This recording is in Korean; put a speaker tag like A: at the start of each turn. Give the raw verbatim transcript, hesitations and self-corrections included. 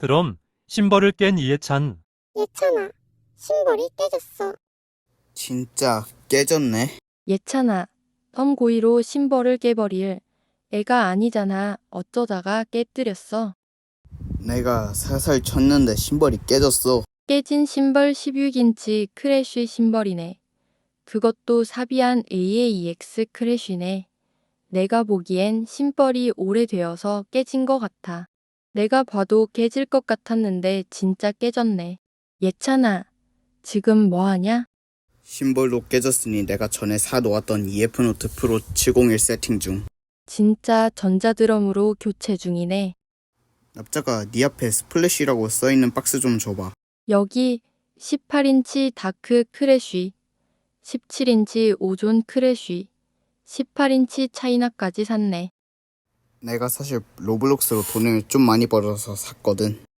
A: 그럼 심벌을 깬 이해찬.
B: 예찬아, 심벌이 깨졌어.
C: 진짜 깨졌네.
D: 예찬아, 덤 고의로 심벌을 깨버릴 애가 아니잖아. 어쩌다가 깨뜨렸어.
C: 내가 살살 쳤는데 심벌이 깨졌어.
D: 깨진 심벌 십육 인치 크래쉬 심벌이네. 그것도 사비한 에이에이엑스 크래쉬네. 내가 보기엔 심벌이 오래되어서 깨진 것 같아. 내가 봐도 깨질 것 같았는데 진짜 깨졌네. 예찬아, 지금 뭐하냐?
C: 심벌도 깨졌으니 내가 전에 사놓았던 이에프노트 프로 칠공일 세팅 중.
D: 진짜 전자드럼으로 교체 중이네.
C: 납작아, 네 앞에 스플래시라고 써있는 박스 좀 줘봐.
D: 여기 십팔 인치 다크 크래쉬, 십칠 인치 오존 크래쉬, 십팔 인치 차이나까지 샀네.
C: 내가 사실 로블록스로 돈을 좀 많이 벌어서 샀거든.